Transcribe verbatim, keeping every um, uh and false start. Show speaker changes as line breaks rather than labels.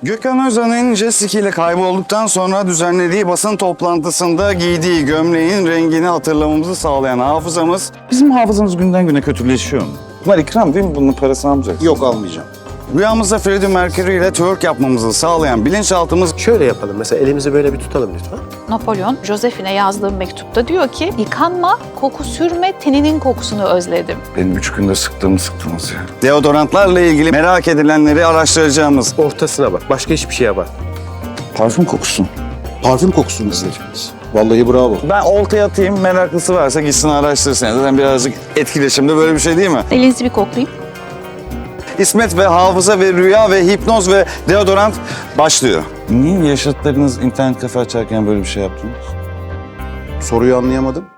Gökhan Özen'in jet ski ile kaybolduktan sonra düzenlediği basın toplantısında giydiği gömleğin rengini hatırlamamızı sağlayan hafızamız... Bizim hafızamız günden güne kötüleşiyor mu? Bunlar ikram değil mi? Bunun parasını almayacaksın.
Yok, almayacağım.
Rüyamızda Freddie Mercury ile twerk yapmamızı sağlayan bilinçaltımız...
Şöyle yapalım, mesela elimizi böyle bir tutalım lütfen.
Napolyon, Josephine yazdığı mektupta diyor ki, yıkanma, koku sürme, teninin kokusunu özledim.
Benim üç günde sıktığımı sıktınız ya. Deodorantlarla ilgili merak edilenleri araştıracağımız...
Ortasına bak, başka hiçbir şeye bak.
Parfüm kokusu.
Parfüm kokusunu izleyeceğiz. Vallahi bravo.
Ben oltaya atayım, meraklısı varsa gitsin araştırsın. Zaten birazcık etkileşimde böyle bir şey değil mi?
Elinizi bir koklayayım.
İsmet ve hafıza ve rüya ve hipnoz ve deodorant başlıyor. Niye yaşıtlarınız internet kafe açarken böyle bir şey yaptınız?
Soruyu anlayamadım.